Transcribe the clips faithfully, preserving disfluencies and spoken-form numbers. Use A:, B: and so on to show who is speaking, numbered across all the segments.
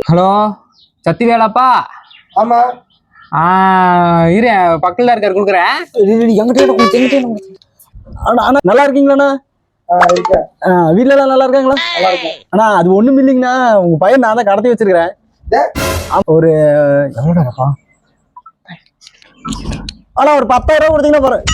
A: Hello சத்திவேலாப்பா?
B: ஆமா.
A: ஆ இரு, பக்கத்துல இருக்காரு கொடுக்குறேன்.
C: எங்கிட்ட அண்ணா நல்லா இருக்கீங்களாண்ணா? வீட்டுல எல்லாம் நல்லா இருக்காங்களா?
B: நல்லா இருக்கேன்
C: அண்ணா. அது ஒண்ணும் இல்லைங்கண்ணா, உங்க பையன் நான் தான் கடத்தி வச்சிருக்கிறேன். ஒரு எவ்வளோடாப்பா? ஆனா ஒரு பத்தாயிரம் ரூபா கொடுத்தீங்கன்னா போறேன்.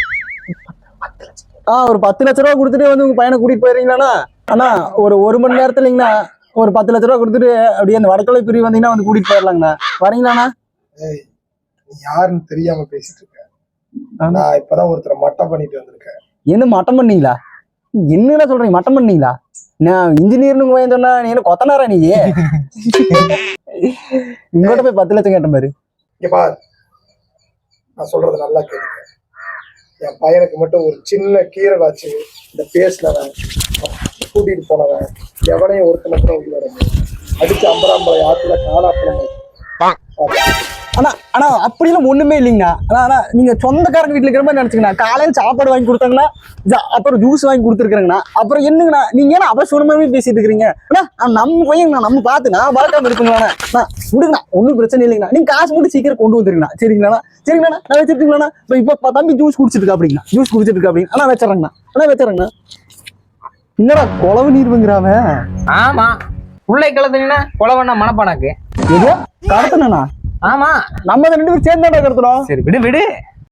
C: ஆ ஒரு பத்து லட்ச ரூபா கொடுத்துட்டு வந்து உங்க பையனை கூட்டிட்டு போயிருங்களா அண்ணா? ஒரு ஒரு மணி நேரத்துல இல்லைங்கண்ணா, ஒரு பத்து லட்ச ரூபா கொடுத்துட்டு அப்படியே அந்த வடக்கொலை பிரிவு வந்தீங்கன்னா வந்து கூட்டிட்டு போயிடலாங்கண்ணா. வரீங்களாண்ணா?
B: ஏய், நீ யாருன்னு தெரியாம பேசிட்டு இருக்க. நான் இப்பதான் ஒருத்தரை மட்டம் பண்ணிட்டு வந்திருக்கேன்.
C: என்ன மட்டம் பண்ணீங்களா? என்னன்னா சொல்றீங்க மட்டம் பண்ணீங்களா? நான் இன்ஜினியர்னு போய் சொன்னா நீ என்ன கொத்தனாரா? நீ இங்கோட்ட போய் பத்து லட்சம் கேட்ட மாதிரி.
B: இங்க பாரு, நான் சொல்றது நல்லா கேளுங்க. என் பையனுக்கு மட்டும் ஒரு சின்ன கீரை காய்ச்சி இந்த பேசினவன் கூட்டிட்டு போனவன் எவனையும் ஒருத்தனை கூட உள்ள அடிச்சு அம்பராம்பளை ஆத்துல காலாப்பழம்.
C: ஆனா ஆனா அப்படிலாம் ஒண்ணுமே இல்லைங்கண்ணா. ஆனா ஆனா நீங்க சொந்தக்காரங்க வீட்டுல இருக்கிற மாதிரி நினைச்சுக்கண்ணா. காலையில சாப்பாடு வாங்கி கொடுத்தாங்கன்னா, அப்புறம் ஜூஸ் வாங்கி கொடுத்துருக்கேங்கண்ணா. அப்புறம் என்னங்கண்ணா நீங்க ஏன்னா அவசரமாவே பேசிட்டு இருக்கிறீங்க? ஆனா நம்ம பையங்கண்ணா, நம்ம பார்த்து நான் பார்க்காம இருக்குங்கண்ணா. விடுங்கண்ணா, ஒன்றும் பிரச்சனை இல்லைங்கண்ணா. நீங்க காசு மட்டும் சீக்கிரம் கொண்டு வந்துருங்கண்ணா. சரிங்கண்ணா? சரிங்கண்ணா, நான் வச்சிருக்கீங்களா? இப்போ இப்போ தம்பி ஜூஸ் குடிச்சிட்டு இருக்கா அப்படிங்கண்ணா. ஜூஸ் குடிச்சிட்டு இருக்கா அப்படிங்க. ஆனா வச்சிடறேங்கண்ணா. ஆனா வச்சிடறேங்கண்ணா. என்னடா குழவு நீர் வந்துங்கிறாம?
A: ஆமா, உள்ளே கிளத்துனீங்கன்னா குழவண்ணா மனப்பானாக்கு
C: ஏதோ கடத்தனா?
A: ஆமா,
C: நம்ம ரெண்டு பேரும் சேர்ந்தாண்டா கடத்துறோம்.
A: சரி விடு விடு.